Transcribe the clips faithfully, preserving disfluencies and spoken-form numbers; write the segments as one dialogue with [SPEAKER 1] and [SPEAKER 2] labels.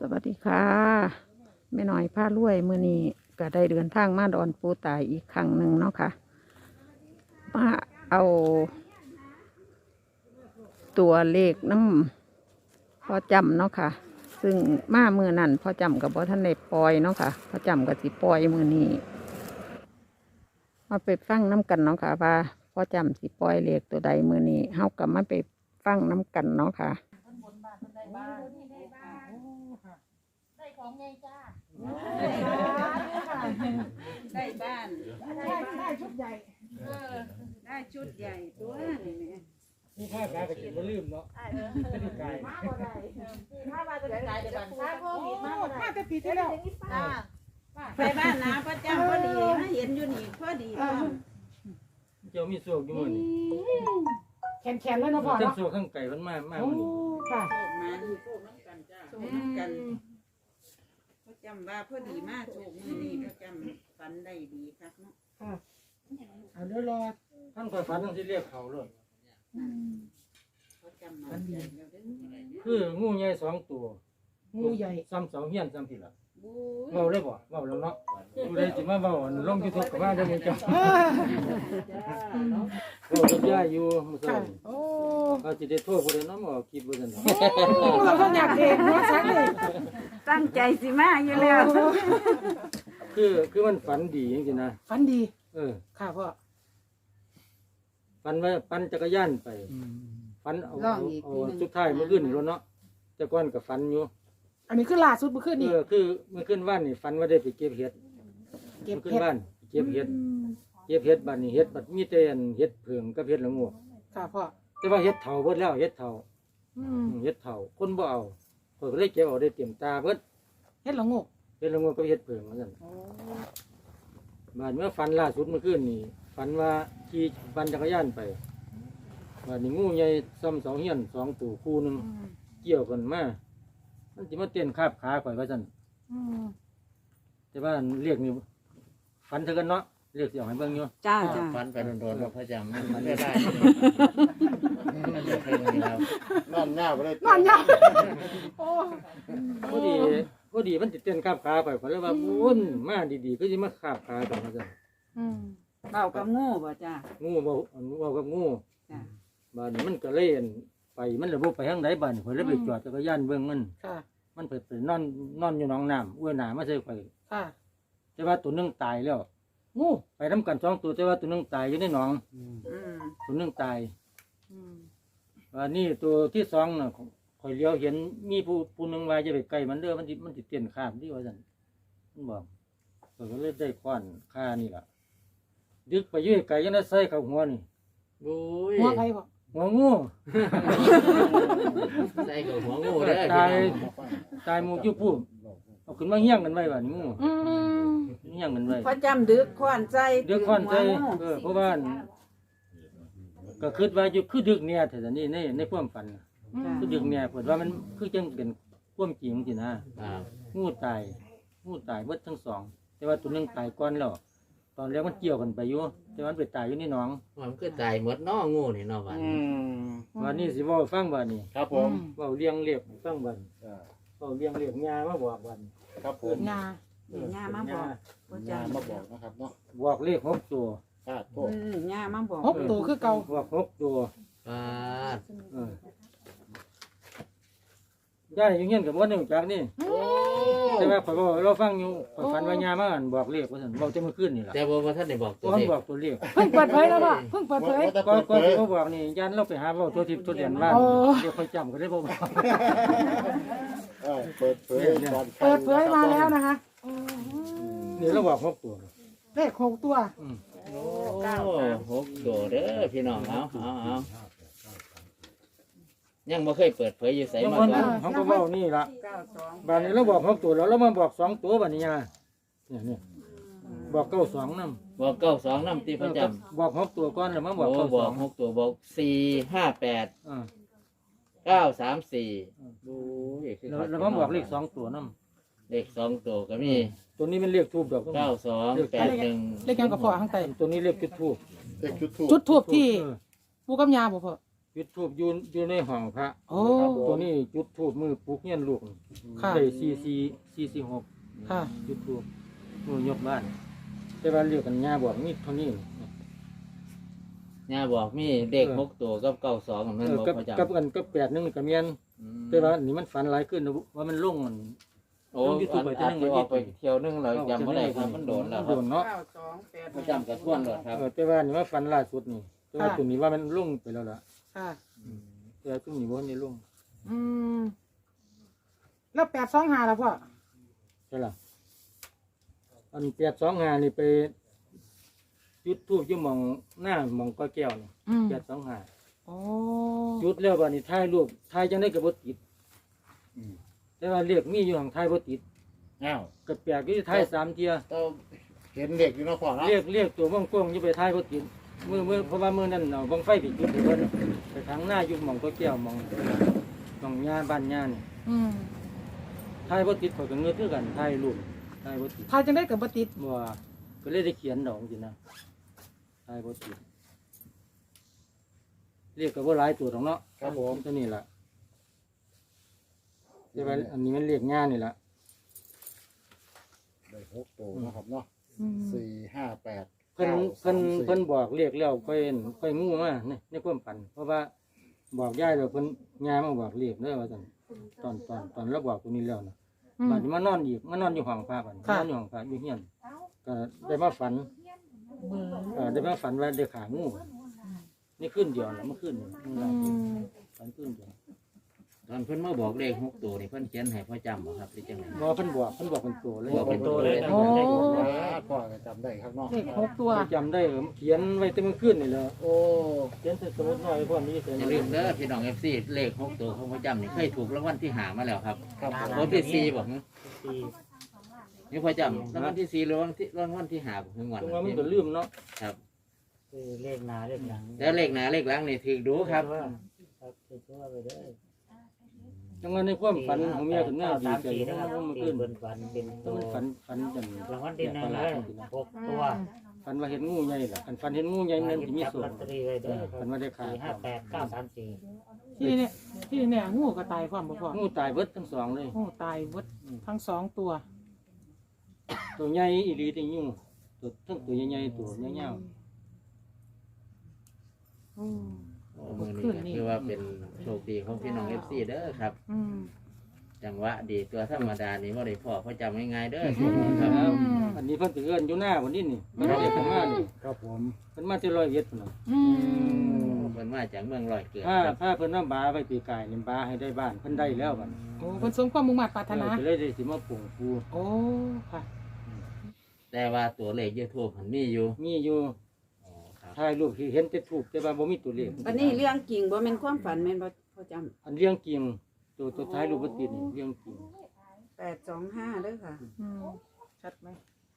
[SPEAKER 1] สวัสดีค่ะแม่น้อยผ้ารวยมื้อนี้ก็ได้เดินทางมาดอนปูตายอีกครั้งหนึ่งเนาะค่ะมาเอาตัวเลขน้ำพอจำเนาะค่ะซึ่งมามือนั่นพอจำกับบ่ท่านได้ปล่อยเนาะค่ะพอจำกับสิปล่อยมือนี้มาไปฟังน้ำกันเนาะค่ะว่าพอจำสิปล่อยเลขตัวใดมือนี้เฮากับมาไปฟังน้ำกันเนาะค่ะ
[SPEAKER 2] ได้ของไงจ้า
[SPEAKER 3] ได้บ้าน
[SPEAKER 2] ได้ได้ชุดใหญ่
[SPEAKER 3] เออได้ชุดใหญ่ตัวนี่แม่
[SPEAKER 4] นี่ผ้าขาวกับกินบ่ลืมเนาะไม่ได้ไกล
[SPEAKER 2] มาบ่ได้ถ้ามาจะได้เดี๋ยวบังคับโควิดมาบ่ได้มาแต่ปีที่แล้วจ้า
[SPEAKER 3] ไปบ้านนาพระเจ้าพอดีมาเห็นอยู่นี่พอดี
[SPEAKER 4] เจ้ามีโศกอยู่มื้อนี้
[SPEAKER 2] แขนๆแล้วเนาะพ่อ
[SPEAKER 4] ทั้ง
[SPEAKER 2] เนาะ
[SPEAKER 4] โศกทั้งไก่มันมามา
[SPEAKER 2] โอ้
[SPEAKER 4] มื้อนี้
[SPEAKER 2] ค่ะ
[SPEAKER 3] โชคมาดูโชคน้ำกันจ้าโชคน้ำกันพระจำว่าพอดีมากโชคมือนี้พระจำฝันได้ดีครับเนาะ
[SPEAKER 2] ค่ะเอาเดี๋ยวรอ
[SPEAKER 4] ท่านคอยฝันทั้งที่เรียกเขาเลย
[SPEAKER 3] พระจำมาใจแล้วเด้อ
[SPEAKER 4] คืองูใหญ่สองตัว
[SPEAKER 2] งูใหญ่
[SPEAKER 4] ซ้ำเสาเฮียนซ้ำผิดล่ะ
[SPEAKER 3] บู๊
[SPEAKER 4] เว้าได้บ่เว้าแล้วเนาะผู้ใดสิมาเว้าลง YouTube ก็มาได้อมึงเจ้าเว้ากับยายอยู่มื้อเช้า
[SPEAKER 2] ค่ะ
[SPEAKER 4] นี่
[SPEAKER 2] โอ้
[SPEAKER 4] ว่าสิได้โทษผู้ใดเนาะมาออกคลิปบ่ซั่นเนาะ
[SPEAKER 2] เราต้องอยากเด็กเนาะสักเลย
[SPEAKER 3] ตั้งใจสิมาอยู่แล้ว
[SPEAKER 4] คือคือมันฝันดีจริงๆนะ
[SPEAKER 2] ฝันดี
[SPEAKER 4] เออ
[SPEAKER 2] ค่ะพ่อ
[SPEAKER 4] ฝันว่าปั่นจักรยานไปฝันเอาเอาเอาสุดท้ายมื้อคืนนี่รถเนาะแต่ก่อนก็ฝันอยู่
[SPEAKER 2] อันนี้คือล่าสุดเมื่อคืน
[SPEAKER 4] เอ
[SPEAKER 2] นี้
[SPEAKER 4] อคือเมื่อขึ้นบ้านนี่ฝันว่าได้ไปเก็บเห็ด
[SPEAKER 2] เก็บ
[SPEAKER 4] มื่อขึ้
[SPEAKER 2] เห็
[SPEAKER 4] น
[SPEAKER 2] ด
[SPEAKER 4] บ้านไปเก็บเห็ดเก็บเห็ดบ้านนี่เห็ดบัดมีแต่อันเห็ดเผืองกับเห็ดละโงู
[SPEAKER 2] ค่ะพ่อ
[SPEAKER 4] แต่ว่าเห็ดเถาเบิดแล้วเห็ดเถา
[SPEAKER 2] อืม
[SPEAKER 4] อืมเห็ดเถาคนบ่เอาคนก็เลยเก็บเอาได้เต็มตาเบิด
[SPEAKER 2] เฮ็ดละงก
[SPEAKER 4] เห็ดละโงูกับเห็ดเผืองเหมือนกัน
[SPEAKER 2] โอ้
[SPEAKER 4] บ้านเมื่อฝันล่าสุดเมื่อคืนนี่ฝันว่าขี่ปั่นจักรยานไปบ้านนี่งูใหญ่ซ้ำสองเฮียนสองตัวคู่หนึง
[SPEAKER 2] อืม
[SPEAKER 4] เกี่ยวกันมามันสิมาเต้นคาบขาข่อยว่าซั่น
[SPEAKER 2] อืม
[SPEAKER 4] แต่ว่าเรียกนี่ฝันเท่ากันเนาะเรียกสิเอาให้เบิ่งอยู่
[SPEAKER 3] จ้าจ้า
[SPEAKER 5] ฟันไปโดนๆว่าพระจำมันมันไม่ได้มันจะเพลงนี้แล้วนอนหน้าไปเลย
[SPEAKER 2] นอนยาวโอ้
[SPEAKER 4] พอดีพอดีมันติเต้นคาบขาไปก็เลยว่าบุญมาดีๆก็สิมาคาบขากันว่าซั่น
[SPEAKER 2] อืม
[SPEAKER 3] เบากับงูบ่จ้า
[SPEAKER 4] งูเบาอันเบากับงู
[SPEAKER 3] จ้า
[SPEAKER 4] บ้านนี้มันก็เล่นไปมันระบบไปทางไหนบ้านนี้ข่อยเลยไปจอดจักรยานเบิ่งมัน
[SPEAKER 2] ค่ะ
[SPEAKER 4] มันเปิดไปนอนนอนอยู่หนองน้ำอ้วยหนามาใส่ข่อย
[SPEAKER 2] ค่ะ
[SPEAKER 4] แต่ว่าตัวหนึงตายแล้ว
[SPEAKER 2] งู
[SPEAKER 4] ไปนํกันสองตัวแต่ว่าตัวหนึงตายอยู่ในหนอง
[SPEAKER 3] อืม
[SPEAKER 4] ตัวหนึงตาย
[SPEAKER 2] อืม
[SPEAKER 4] ว่านี่ตัวที่สองน่ะข่อยเลี้ยวเห็นมีผู้ผู้หนึงว่าจะไปใกล้มันเด้อมันสิมันสิเต้นข้ามที่ว่าซั่นมันบอกข่อยก็เลยได้ค้อนค่านี่ล่ะดึกไปอยื้อไกลยังได้ใส่เข้าหัวนี่
[SPEAKER 5] โอ้ย
[SPEAKER 2] หัวใครบ่
[SPEAKER 4] หัวงู
[SPEAKER 5] ใส่กับหัวงูได้
[SPEAKER 4] ตายตายหมูอยู่ผู้เอาขึ้นมาเฮี้ยงกันไว้บ้านงู
[SPEAKER 2] อืม
[SPEAKER 4] เฮี้ยงกันไว้
[SPEAKER 3] พระจำดึกขวานใจ
[SPEAKER 4] เดือดค้อนใจ
[SPEAKER 3] หัวงู
[SPEAKER 4] เออเพราะว่าก็คิดว่าอยู่คือดึกเนี่ยแต่นี่ในในความฝันน่ะ
[SPEAKER 2] อืม
[SPEAKER 4] คือดึกเนี่ยเปิดว่ามันคือจังเป็นความจริงสินะ
[SPEAKER 5] อ่า
[SPEAKER 4] งูตายงูตายเบิดทั้งสอง แต่ว่าตัวหนึงตายก่อนแล้วตอนแรกมันเกี่ยวกันไปอยู่แต่ว่ามันไปตายอยู่ในหนอง
[SPEAKER 5] มันก็ตายหมดน้องูนี่เนาะวัน
[SPEAKER 4] วันนี้สิเว่าให้ฟังบ้านนี้
[SPEAKER 5] ครับผม
[SPEAKER 4] เว่าเลี้ยงเรียกให้ฟังบ้านเว่าเลี้ยงเรียกงามาบอกบ้าน
[SPEAKER 5] ครับผม
[SPEAKER 2] งา
[SPEAKER 3] เดี๋ยวย่ามาบอกพระ
[SPEAKER 5] งาน
[SPEAKER 3] จำ
[SPEAKER 5] มาบอกนะครับเนาะ
[SPEAKER 4] บอกเลขหกตัว
[SPEAKER 5] คาดโท
[SPEAKER 3] อื
[SPEAKER 5] ษ
[SPEAKER 3] มย่ามาบอก
[SPEAKER 2] หกตัวคือเก่า
[SPEAKER 4] บอกหกตัว
[SPEAKER 5] ปาด
[SPEAKER 4] เออย่าอยู่เงี้ยกับวันนี้จากนี่
[SPEAKER 5] โอ้
[SPEAKER 4] แต่ว่าข่อยบอกเราฟังอยู่ข่อยฝันว่ายามาอ่านบอกเลขว่าซั่นบอกจะมาขึ้นนี่ล่ะ
[SPEAKER 5] แต่ว่าบ่ท่านได้บอกตัว
[SPEAKER 4] ว่า
[SPEAKER 5] เล
[SPEAKER 4] มัน
[SPEAKER 5] ข
[SPEAKER 4] บอกตัวเลข
[SPEAKER 2] เพิ่งเปิดเผยแล้วป่ะเพิ่งเปิดเผย
[SPEAKER 4] ก็ก็ที่เขาบอกนี่ยันเราไปหาเว้าตัวทิพย์ตัวเดียนบ้าน
[SPEAKER 2] โอ้
[SPEAKER 4] เดี๋ยวค่อยจำก็ได้บ่บอก
[SPEAKER 5] เออเปิดเผย
[SPEAKER 2] เปิดเผยมาแล้วนะคะ
[SPEAKER 4] นี่เราบอกหกตัว
[SPEAKER 2] เลขหกตัว
[SPEAKER 4] อืม
[SPEAKER 5] โอ้หกตัวเด้อพี่น้องเอาเอาเอายังบ่เคยเปิดเผยอยู่ไส
[SPEAKER 4] บาง
[SPEAKER 5] มา
[SPEAKER 4] คน
[SPEAKER 5] ก่อน
[SPEAKER 4] เขาก็เว้านี่ล่ะ
[SPEAKER 3] เก้าสอง
[SPEAKER 4] บ้านนี้เราบอกหกตัวแล้วเรามาบอกสองตัวบัดนี้ยาเนี่ยเนี่ยบอกเก้าสองนำ
[SPEAKER 5] บอกเก้าสองน้ำตีประจำ
[SPEAKER 4] บอกหกตัวก่อนแล้วมาบอก
[SPEAKER 5] โอ้
[SPEAKER 4] เก้า
[SPEAKER 5] บ
[SPEAKER 4] ส
[SPEAKER 5] อ
[SPEAKER 4] อก ง
[SPEAKER 5] หกตัวบอกสี่ห้าแปด
[SPEAKER 4] อ่า
[SPEAKER 5] เก้าสามสี่โอ้ยคือ
[SPEAKER 4] แล้วแล้วมาบอกเลขสองตัวนำ
[SPEAKER 5] เลขสองตัวก็มี
[SPEAKER 4] ตัวนี้เป็นเลขทูบดอก
[SPEAKER 5] เก้าสองแปดหนึ่ง
[SPEAKER 2] เลขยังกับพ่อข้างใต้
[SPEAKER 4] ตัวนี้เลขจุดทูบ
[SPEAKER 5] เลขชุดทู
[SPEAKER 2] จุดทูบที่
[SPEAKER 4] เออ
[SPEAKER 2] ปูกับยาบ่พ่อ
[SPEAKER 4] จุดทูบอยู่อยู่ในห้องพระ
[SPEAKER 2] โอ้
[SPEAKER 4] ตัวนี้จุดทูบมือปลุกเงี้ยนลูก
[SPEAKER 2] ค่ะ
[SPEAKER 4] ได้สี่สี่สี่สี่หก
[SPEAKER 2] ค่ะ
[SPEAKER 4] จุดทูบมือยกบ้าน แต่ว่าเรียกกันย่าบอกนี่เท่านี้
[SPEAKER 5] ย่าบอกมีเด็กหกตัวกับเก้าสองของ
[SPEAKER 4] เอ
[SPEAKER 5] นั่น
[SPEAKER 4] อ
[SPEAKER 5] บอก
[SPEAKER 4] กับ
[SPEAKER 5] ประจำ
[SPEAKER 4] กับกันกับแปดหนึงกับเมียน
[SPEAKER 5] อืม
[SPEAKER 4] แต่ว่านี่มันฝันหลายขึ้นนะว่ามันลงมัน
[SPEAKER 5] โอ้อันอาจจะออกไปเที่ยวนึงเราจำไม่ได้ครับมันโดนแล้วค
[SPEAKER 4] โด
[SPEAKER 5] รับ
[SPEAKER 4] นเนาะ
[SPEAKER 3] เก้าสองแปด
[SPEAKER 5] ประจำกับท่วนเลยครับ
[SPEAKER 4] เออแต่ว่านี่ว่าฝันล่าสุดนี่แต่ว่าตัวนี้ว่ามันลงไปแล้วล่ะ
[SPEAKER 2] ค่ะ
[SPEAKER 4] แต่ว่าตัวนี้ว่านี่ลง
[SPEAKER 2] อืมแล้วแปดสองห้าแล้วพ่อ
[SPEAKER 4] ใช่ล่ะอันแปดสองห้านี่ไปจุดทูบอยู่หมองหน้าหมองก้อยแก้วนี่
[SPEAKER 2] อืม
[SPEAKER 4] แปดสองห้า
[SPEAKER 2] โอ้
[SPEAKER 4] จุดแล้ววันนี้ถ่ายรูปถ่ายจังได้กับบติดแต่ว่าเรียกมีอยู่ห่างถ่ายบติด
[SPEAKER 5] อ้าว
[SPEAKER 4] กับแปลกที่ถ่ายสามเทีย
[SPEAKER 5] ต้องเห็นเด็กอยู่เนาะพ่อเนาะ
[SPEAKER 4] เรียกเรียกตัวว่องกวงอยู่ไปถ่ายบติดมือมือเพราะว่ามือนั่นเอาบังไฟไปจุดไปเพิ่นไปทางหน้าอยู่หมองก้อยแก้วหมองหมองหญ้าบ้านหญ้านี่
[SPEAKER 2] อืม
[SPEAKER 4] ถ่ายบติดเขาก็เงือกคือกันถ่ายรูปถ่ายบติด
[SPEAKER 2] พายจังได้กับบติด
[SPEAKER 4] บ่ว่าก็เลยได้เขียนดอกจริงนะถ่ายบติดเรียกกับว่าหลายตัวของเนาะ
[SPEAKER 5] ครับผม
[SPEAKER 4] ตัวนี้ล่ะแต่ว่าอันนี้มันเรียกง่ายนี่ล่ะ
[SPEAKER 6] ได้หกตัวนะครับเนาะ
[SPEAKER 2] อืม
[SPEAKER 6] สี่ห้าแปด
[SPEAKER 4] เพิ่น
[SPEAKER 6] ก้า
[SPEAKER 4] เพิ่น
[SPEAKER 6] สามสี่
[SPEAKER 4] เพิ่นบอกเรียกแล้วค่อยค่อยงูมาในในความฝัน เพราะว่าบอกยายแล้วเพิ่นยายมาบอกเรียกเด้อว่าซั่นตอนตอนตอนเราบอกตัวนี้แล้วนะ
[SPEAKER 2] อืม
[SPEAKER 4] บัดนี้มานอนอีกมานอนอยู่ห้องพระบัดนี้
[SPEAKER 2] ค่ะ
[SPEAKER 4] นอนอยู่ห้องพระอยู่เฮียนก็ได้มาฝันเออได้มาฝันว่าได้ขางูนี่ขึ้นเดียวนะเมื่อคืนนี่มื้อ
[SPEAKER 2] อื
[SPEAKER 4] ล่าสุด
[SPEAKER 2] ม
[SPEAKER 4] ฝันขึ้นเดียว
[SPEAKER 5] ตอนเพิ่นมาบอกเลขหกตัวนี่เพิ่นเขียนให้พ่อจำบ่ครับหรือจังไง
[SPEAKER 4] บ่เพิ่นบอกเพิ่นบอกเป็นตัวเลย
[SPEAKER 5] บอกเป็นตัวเลยนะ
[SPEAKER 2] โอ้
[SPEAKER 6] พ่อก็จำได้ครับเนาะ
[SPEAKER 2] เลขหกตัว
[SPEAKER 4] จำได้เออเขียนไว้แต่เมื่อคืนนี่แหละ
[SPEAKER 6] โอ้
[SPEAKER 4] เขียนใส่สมุดน้อยพวกนี้ใส่
[SPEAKER 5] อย่าลืมเด้อพี่น้อง เอฟ ซี เลขหกตัวของพ่อจำนี่เคยถูกรางวัลที่หามาแล้วครับ
[SPEAKER 6] ครับผม
[SPEAKER 5] รางวัลที่สี่บอกนี่พ่อจำรางวัลที่สี่หรือรางวัลที่รางวัลที่หาบ่ถึงวัน
[SPEAKER 4] ตรงว่ามันก็ลืมเนาะ
[SPEAKER 5] ครับ
[SPEAKER 7] เลขหนาเลขหลัง
[SPEAKER 5] แล้วเลขหน้าเลขหลังนี่ถือดูครับ
[SPEAKER 7] ครับถือว่าไปได้
[SPEAKER 4] จังว่าในความฝันของเมียถึงหน้าดี
[SPEAKER 7] สาม
[SPEAKER 4] ใจ
[SPEAKER 7] สี่
[SPEAKER 4] เพ
[SPEAKER 7] นะ
[SPEAKER 4] ราะ
[SPEAKER 7] ครั
[SPEAKER 4] ว่า
[SPEAKER 7] บ
[SPEAKER 4] เมื่อ
[SPEAKER 7] ตี
[SPEAKER 4] คืน
[SPEAKER 7] เป็นฝันเป็น
[SPEAKER 4] ต้
[SPEAKER 7] ตั
[SPEAKER 4] อง
[SPEAKER 7] ว
[SPEAKER 4] ฝันฝันจัง
[SPEAKER 7] รางวัลที่หนึ่งเลยหกตัว
[SPEAKER 4] ฝันว่าเห็นงูใหญ่ล่ะฝันฝันเห็นงูใหญ่นั่น
[SPEAKER 7] หยิ
[SPEAKER 4] จะ
[SPEAKER 7] บ
[SPEAKER 4] มี
[SPEAKER 7] จับ
[SPEAKER 4] ส่ว
[SPEAKER 7] ลอน ตเตอรี่ไว้เด้อค
[SPEAKER 4] ฝั
[SPEAKER 7] รั
[SPEAKER 4] น
[SPEAKER 7] บ
[SPEAKER 4] ว่าได้ขา
[SPEAKER 7] สี่ห้าแปดเก้าสามสี่
[SPEAKER 2] ที่เนี่ยที่เนี่ยงูก็ตายความบ่พ่อ
[SPEAKER 4] งูตายเบิดทั้งสองเลย
[SPEAKER 2] งูตายหมดทั้งสองตัว
[SPEAKER 4] ตัวใหญ่อีหลีที่งูตัวทั้งตัวใหญ่ๆตัวเงี้ยว
[SPEAKER 2] อืม
[SPEAKER 5] โอ้มือนี้ก็คือว่าเป็นโชคดีของพี่น้อง เอฟ ซี เด้อครับ
[SPEAKER 2] อืม
[SPEAKER 5] จังหวะดีตัวธรรมดานี่ว่าได้พ่อพ่อจำง่ายๆเด้อ
[SPEAKER 4] ๆ
[SPEAKER 5] ค
[SPEAKER 4] ค
[SPEAKER 5] รั
[SPEAKER 4] รั
[SPEAKER 5] บบ
[SPEAKER 4] อันนี้เพิ่นถือเอิ้นอยู่หน้าวันนี้นี่มันเรียกกันมานี่
[SPEAKER 6] ครับผม
[SPEAKER 4] เพิ่นมาที่ร้อยเอ็ดพุ่นน่ะ
[SPEAKER 2] อืม
[SPEAKER 5] เพิ่นมาจากเมืองลอยเกิด
[SPEAKER 4] ถ้า
[SPEAKER 5] ครับ
[SPEAKER 4] ถ้าเพิ่นว่าบาไปปีกายนี่บาให้ได้บ้านเพิ่นได้แล้วบัด
[SPEAKER 2] โอ้คนสมความมุ่งมั่นปรารถนา
[SPEAKER 4] เออก็เลยได้สิมาปลูกปู
[SPEAKER 2] โอ้ค่ะ
[SPEAKER 5] แต่ว่าตัวเลขยูทูบมันมีอยู่
[SPEAKER 4] มีอยู่
[SPEAKER 5] อ๋อครับ
[SPEAKER 4] ถ่ายรูปที่เห็นแต่ถูกแต่ว่าบ่มีตัวเลข
[SPEAKER 3] อันนี้เรื่องจริงบ่แม่นความฝันแม่นบ่พ่อจำ
[SPEAKER 4] อันเรื่องจริงตัวตัวท้ายรูปบ่ติดนี่เรื่องจริง
[SPEAKER 3] แปดสองห้าเด้อค่ะ
[SPEAKER 2] อืมชัดไหม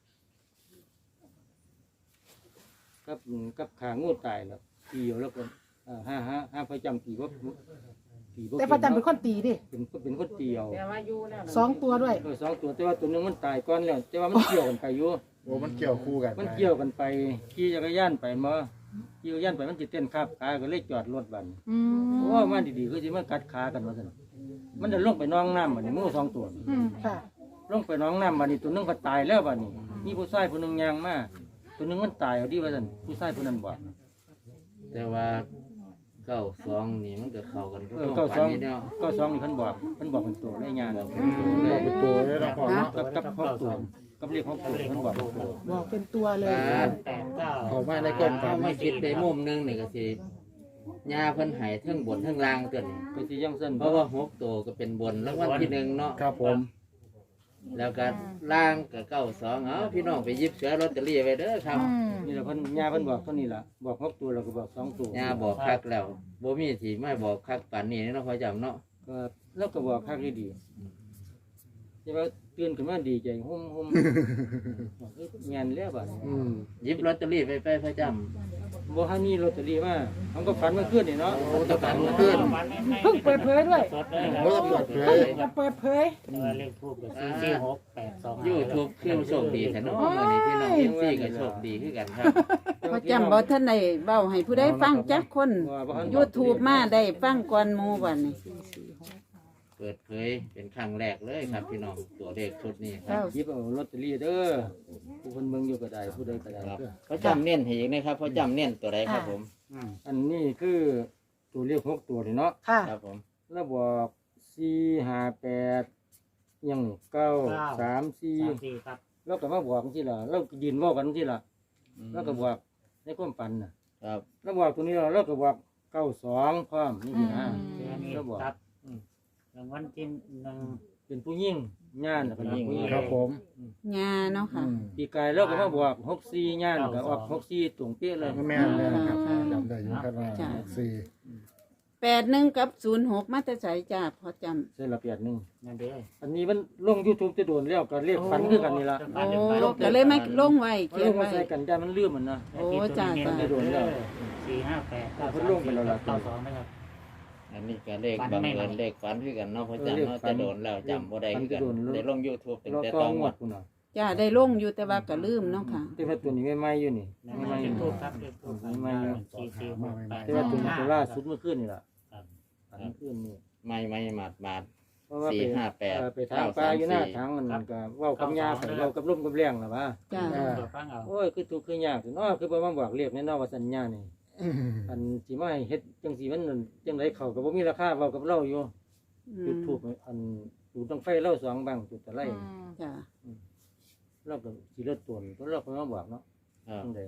[SPEAKER 4] กับกับขางูตายแล้วตีเอาแล้วก็เอ่อห้าห้าห้าพระจำตีว่าตีบ่
[SPEAKER 2] แต่พระจันทร์เป็นคนตีดิ
[SPEAKER 4] เป็นเป็นคนตีเอา
[SPEAKER 3] แต่ว่าอยู่แล้ว
[SPEAKER 2] สองตัวด้วย
[SPEAKER 4] เออสองตัวแต่ว่าตัวหนึงมันตายก่อนแล้วแต่ว่ามันเกี่ยวกันไปอยู่
[SPEAKER 6] โอ้มันเกี่ยวคู่กัน
[SPEAKER 4] มันเกี่ยวกันไปขี่จักรยานไปมาขี่จักรยานไปมันสิเต้นขับขาก็เลยจอดรถบัด
[SPEAKER 2] อืม
[SPEAKER 4] โอ้มาดีๆคือสิมากัดขากันว่าซั่นมันจะลงไปน้องน้ำบัดนี้งูสองตัว
[SPEAKER 2] อืมค่ะ
[SPEAKER 4] ลงไปน้องน้ำบัดนี้ตัวหนึงก็ตายแล้วบัดนี้มีผู้ชายผู้หนึงย่างมาตัวหนึงมันตายเอาดีว่าซั่นผู้ชายผู้นั้นบอก
[SPEAKER 5] แต่ว่าเก้าสองนี่มันก็เข้ากัน
[SPEAKER 4] เออ
[SPEAKER 5] ก็
[SPEAKER 4] เก้าสอง
[SPEAKER 5] นี่เนาะ
[SPEAKER 4] เก้าสองนี่เพิ่นบอกเพิ่นบอกเป็นตัวได้งาน
[SPEAKER 5] บอกเป็นตัวเล
[SPEAKER 6] เรา
[SPEAKER 5] ย
[SPEAKER 6] เป็นตัวเลยนะพ่อเนาะ
[SPEAKER 4] กับกับหกตัวกับเลขหกตัวเพิ่นบอกเป็นตัว
[SPEAKER 2] บอกเป็นตัวเลย
[SPEAKER 7] แปดเก้า
[SPEAKER 6] เขามาในกล้อง
[SPEAKER 5] ถ้าไม่คิดในมุมหนึงนี่ก็สิยาเพิ่นให้เทั้งบนเทั้งล่างตัวนี้
[SPEAKER 4] ก็สิยังเส้น
[SPEAKER 5] เพราะว่าหกตัวก็เป็นบนรางวัลที่หนึ่งเนาะ
[SPEAKER 6] ครับผม
[SPEAKER 5] แล้วก็ล่างก็เก้าสองเอาพี่น้องไปหยิบเสือลอตเตอรี่ไว้เด้อครับ
[SPEAKER 2] อืม
[SPEAKER 4] นี่แหละเพิ่นยาเพิ่นบอกเท่านี้ล่ะบอกหกตัวแล้วก็บอกสองตัวย
[SPEAKER 5] าบอกคักแล้วบ่มีสิไม่บอกคักปานนี้เนาะพ่อจำเนาะ
[SPEAKER 4] ก็แล้วก็บอกคักดีๆแต่ว่าตื่นขึ้นมาดีใจหุ่มหุ่มบอกเอ้ยงานแล้วบัดนี้
[SPEAKER 6] อืม
[SPEAKER 5] หยิบลอตเตอรี่ไปไปพ่อจ
[SPEAKER 4] บ่ทันมีลอตเตอรี่มามันก็ฝันเมื่อคืนนี่เนาะ
[SPEAKER 6] โอ้ตะกันมาขึ้น
[SPEAKER 2] เพิ่งเปิดเผยด้วย
[SPEAKER 7] สดเลยค
[SPEAKER 6] โอ้
[SPEAKER 7] รับ
[SPEAKER 6] เปิดเผย
[SPEAKER 2] จะเปิดเผย
[SPEAKER 7] แต่ว่าเลขทูบกับสี่สี่หกแปดสอง
[SPEAKER 5] ำยูทูบคือโชคดีแต่เนาะมื้อนี้พี่น้องเอฟซีก็โชคดีคือกันครับ
[SPEAKER 4] แต่
[SPEAKER 3] พอจำบ่ท่านได้เบ้าให้ผู้ใดฟังจักคน YouTube มาได้ฟังก่อนหมู่บัดนี้
[SPEAKER 5] เปิดเผยเป็นครั้งแรกเลยครับพี่น้องตัวเลขชุดนี้ค
[SPEAKER 3] เก้า
[SPEAKER 5] รับ
[SPEAKER 4] หยิบเอาลอตเตอรี่เด้อผู้คนเบิ่งอยู่ก็ได้ผู้ใดก็ได้
[SPEAKER 5] ครับเขาจำเน้นให้อีกนะครับเขาจำเน้นตัวใดครับผม
[SPEAKER 4] อันนี้คือตัวเลขหกตัวนี่เนาะ
[SPEAKER 2] ค่ะ
[SPEAKER 5] ครับผม
[SPEAKER 4] แล้วบอกสี่ห้าแปดยังนี่เก้าสามสี่
[SPEAKER 7] สามสี่ครับ
[SPEAKER 4] แล้วก็มาบอกที่ละเราก็ยืนเว่ากันที่ละ
[SPEAKER 5] อืม
[SPEAKER 4] แล้วก็บอกในความฝันน่ะ
[SPEAKER 5] ครับ
[SPEAKER 4] แล้วบอกตัวนี้เราแล้วก็บอกเก้าสองพร้อมนี่สินะ
[SPEAKER 7] เดือนนี้
[SPEAKER 4] แล้วบอก
[SPEAKER 7] ครับรางวัลที่หนึ่ง
[SPEAKER 4] เป็นผู้ยิ่งญาณน่ะเป็นผู้ยิ่ง
[SPEAKER 6] ครับผม
[SPEAKER 3] งาเนาะค่ะ
[SPEAKER 6] อืม
[SPEAKER 4] ปีกายแล้วก็มาบอกหกสี่ญาณก็ออกหกสี่ตรงเป๊ะเลย
[SPEAKER 6] แม่นเลยนะครับจำได้อยู่ครับว่า
[SPEAKER 3] จ้ะ
[SPEAKER 6] สี่
[SPEAKER 3] แปดหนึ่งกับศูนย์หกมาแต่ใส่จ้าพอจำ
[SPEAKER 4] เส้นละเปียดหนึ่ง
[SPEAKER 7] นั่นเด้อ
[SPEAKER 4] อันนี้มันลงยูทูบจะโดนแล้วก็เรียกฝันคือกันนี่ละ
[SPEAKER 3] โอ้ก็เลยไม่ลงไว้
[SPEAKER 4] มัน
[SPEAKER 3] เขีย
[SPEAKER 4] ล
[SPEAKER 3] น
[SPEAKER 4] งมา
[SPEAKER 3] ไว้
[SPEAKER 4] ใส่กันได้มันเลื่อมมันนะ
[SPEAKER 3] โอ้จ้าจ้า
[SPEAKER 4] โดนแล้ว
[SPEAKER 7] สี่ห้าแปดเก้า
[SPEAKER 4] เพิ่
[SPEAKER 7] สาน ม
[SPEAKER 4] ลงไปแล้วล่ะ
[SPEAKER 7] เก้าสองนะครับ
[SPEAKER 5] อันนี้ก็เลข
[SPEAKER 7] ฝั
[SPEAKER 5] บั
[SPEAKER 7] น
[SPEAKER 5] ง
[SPEAKER 7] ไม่
[SPEAKER 5] เอิญ
[SPEAKER 7] ไหว
[SPEAKER 5] เลขฝันคือกันเนาะเพราะ
[SPEAKER 4] เออ
[SPEAKER 5] จำ
[SPEAKER 4] เลข
[SPEAKER 5] เนาะ
[SPEAKER 4] ฝัน
[SPEAKER 5] จะโดนแล้วจำบ่ได้คือกัน
[SPEAKER 4] ฝันจะโดน
[SPEAKER 5] ได้ลง YouTube ตั้ง
[SPEAKER 4] เรา
[SPEAKER 5] แต่
[SPEAKER 4] ต้
[SPEAKER 5] ต
[SPEAKER 4] อ
[SPEAKER 5] อง ง
[SPEAKER 4] ง
[SPEAKER 5] ง
[SPEAKER 4] ว
[SPEAKER 5] ว
[SPEAKER 4] ด
[SPEAKER 5] ด
[SPEAKER 4] คุณน่ะ
[SPEAKER 3] จ้าได้ลงอยู่แต่ว่าก็ลืมเนาะค่ะ
[SPEAKER 4] แต่ว่าตัวนี้ไม่ไหม้อยู่นี่
[SPEAKER 7] นั่น
[SPEAKER 4] ไม่
[SPEAKER 7] ไม่
[SPEAKER 4] ไหม้
[SPEAKER 7] ใช่
[SPEAKER 4] อยู่
[SPEAKER 7] ทูบครับเป็นทูบ
[SPEAKER 4] ไม่ไหม้อยู่
[SPEAKER 7] สี่สี่หกแปด
[SPEAKER 4] แต่ว่าตัวนี้ตัวล่าสุดเมื่อคืนนี่ล่ะ
[SPEAKER 7] ครับ
[SPEAKER 4] ฝันเมื่อคืนนี่
[SPEAKER 5] ไม่ไม่หมาดหมาด
[SPEAKER 4] เพราะว่า
[SPEAKER 5] สี่
[SPEAKER 4] ไป
[SPEAKER 5] ห้าแปด
[SPEAKER 4] เออไปทางปลาอยู่หน้าทางมันก็เว้ากับยาไปเว้ากับลมกับแรงล่ะว่า
[SPEAKER 3] จ้า
[SPEAKER 6] อ่า
[SPEAKER 7] เปิดฟังเอา
[SPEAKER 4] โอ้ยคือทุกข์คือยากเนาะคือบ่มาบอกเรียกแน่เนอนว่าสัญญานี่
[SPEAKER 6] อืม
[SPEAKER 4] อันสิมาให้เฮ็ดจังซี่มันจังไดเข้าก็บ่มีราคาเว้ากับเราอยู่
[SPEAKER 3] อื
[SPEAKER 4] จุด
[SPEAKER 3] ม
[SPEAKER 4] ทูบอันจุดต้องไฟเราสองบังจุดตะไล
[SPEAKER 3] จ้า
[SPEAKER 4] เราก็สิเลิศตนก็เราก็มาบอกเนาะ
[SPEAKER 5] ครับ
[SPEAKER 4] จังได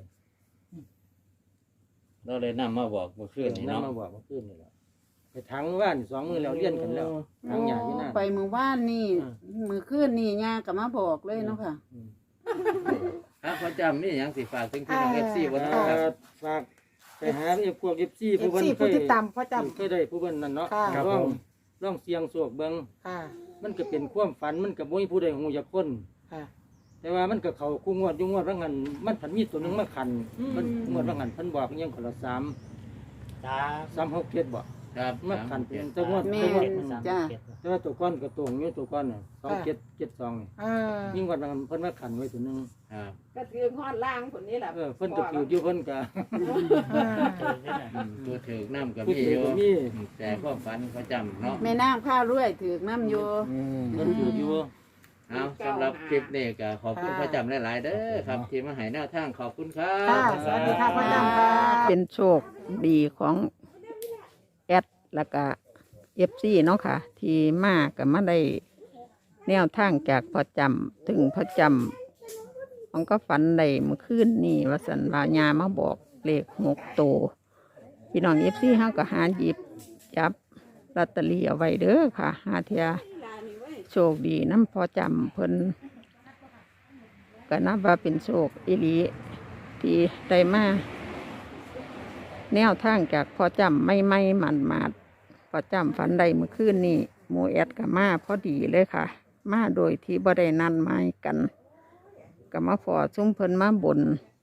[SPEAKER 5] เราเลยนำมาบอกเมื่อคืนนี้
[SPEAKER 4] นำ
[SPEAKER 5] เนาะ
[SPEAKER 4] มาบอกเมื่อคืนนี่ล่ะไปทางว่านสองมือแล้วเลี้ยนกันแล้วทางหญ้าอยู่นั่น
[SPEAKER 3] ไปมือว่านนี่มือขึ้นนี่ยาก็มาบอกเลยเนาะค่ะ
[SPEAKER 5] ครับเขาจำนี่ยังสิฝากถึงพี่น้อง FC บ่เนาะ
[SPEAKER 4] เอ่
[SPEAKER 5] ครับ
[SPEAKER 4] อฝากไปหาไอ้พวก เอฟ ซี
[SPEAKER 2] เอ
[SPEAKER 4] ผู้
[SPEAKER 2] ฟ
[SPEAKER 4] เพิ่น
[SPEAKER 2] ซี
[SPEAKER 4] เค
[SPEAKER 2] ผู้
[SPEAKER 4] ย
[SPEAKER 2] ที่ตามพ่อจ
[SPEAKER 4] เคยได้ผู้เพิ่นนั่นเนาะ
[SPEAKER 2] ค่ะ
[SPEAKER 6] ครับ
[SPEAKER 4] ล
[SPEAKER 6] ผ
[SPEAKER 4] อง
[SPEAKER 6] ม
[SPEAKER 4] ลองเสียงโศกเบิ่ง
[SPEAKER 2] ำค่ะ
[SPEAKER 4] มันก็เป็นความฝันมันก็บ่มีผู้ใดฮู้จักคน
[SPEAKER 2] ค่ะ
[SPEAKER 4] แต่ว่ามันก็เข้าคู่งวดอยู่งวดว่างั้นมันผันมีตัวหนึงมาขันมันงวดว่างั้นเพิ่นบอกอิหยังคนละสาม
[SPEAKER 7] จ้า
[SPEAKER 4] สามหกเจ็ดบ่
[SPEAKER 5] ครับ
[SPEAKER 4] มาขันเป็นจังหวัด
[SPEAKER 3] แม่
[SPEAKER 4] จังหวัด
[SPEAKER 3] นจ้า
[SPEAKER 4] แต่ว่าตัวก้อนก็ตรงอยู่ตัวก้อนน่ะสองเจ็ดเจ็ดสองนี่
[SPEAKER 2] เออ
[SPEAKER 4] ยิ่งกว่านั้นเพิ่นมาขันไว้ตัวหนึง
[SPEAKER 5] ครับ
[SPEAKER 8] ก็ถือฮอดล่างคนนี้แหละ
[SPEAKER 4] เออเพิ่นก็ถืออยู่เพิ่นก็
[SPEAKER 7] เจอได้ไหม
[SPEAKER 5] อืมตัวถือน้ำกับ
[SPEAKER 4] ผู้
[SPEAKER 5] พี่
[SPEAKER 4] ถื
[SPEAKER 5] อ
[SPEAKER 4] อยู่ ก็มี
[SPEAKER 5] แต่ความฝันเขาจำเนาะ
[SPEAKER 3] แม่น้ำข้าวรวยถือกน้ำอยู่
[SPEAKER 6] อืม
[SPEAKER 4] เพิ่นถืออยู่
[SPEAKER 5] เอาสำหรับคลิปนี้ก็ขอบคุณพระจำหลายๆเด้อครับ ที่มาให้แนวทางขอบคุณครั
[SPEAKER 2] ค่ะ
[SPEAKER 5] บ
[SPEAKER 2] สวัสดีค่ะพ่อจำค่ะ
[SPEAKER 1] เป็นโชคดีของแอดแล้วก็เอฟซีเนาะค่ะ ที่มากับมาได้แนวทางจากพอจำถึงพอจำมันก็ฝันได้เมื่อคืนนี่ว่าสันวายามาบอกเลขหกโตวพี่น้องเอฟซีเขาก็หาหยิบจับลอตเตอรี่เอาไว้เด้อค่ะหาเทียโชคดีน้ำพอจำเพิ่นก็นับว่าเป็นโชคอีหลีที่ได้มา แนวทางจากพอจำไม่ไม่หมันมาดพอจำฝันใดเมื่อคืนนี้หมูแอดกับมาพอดีเลยค่ะ มาโดยที่บ่ได้นันไม้กันกับมาฟอซุ้มเพิ่นมาบน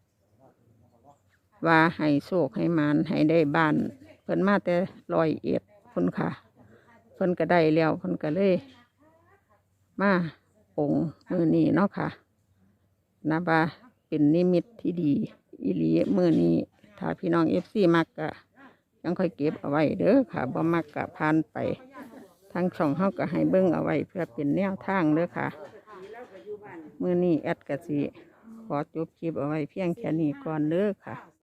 [SPEAKER 1] ว่าให้โชคให้หมานให้ได้บ้าน เพิ่นมาแต่ลอยเอ็ดเพิ่นค่ะ เพิ่นก็ได้แล้วเพิ่นก็เลย มาองค์มือนี้เนาะค่ะนะว่าเป็นนิมิตที่ดีอีหลีมือนี้ ถ้าพี่น้องเอฟซีมักกะยังค่อยเก็บเอาไว้เด้อค่ะบ่มักกะผ่านไปทางช่องเฮาก็ให้เบิ่งเอาไว้เพื่อเป็นแนวทางเด้อค่ะมื้อนี้แอดกะสิขอจบคลิปเอาไว้เพียงแค่นี้ก่อนเด้อค่ะ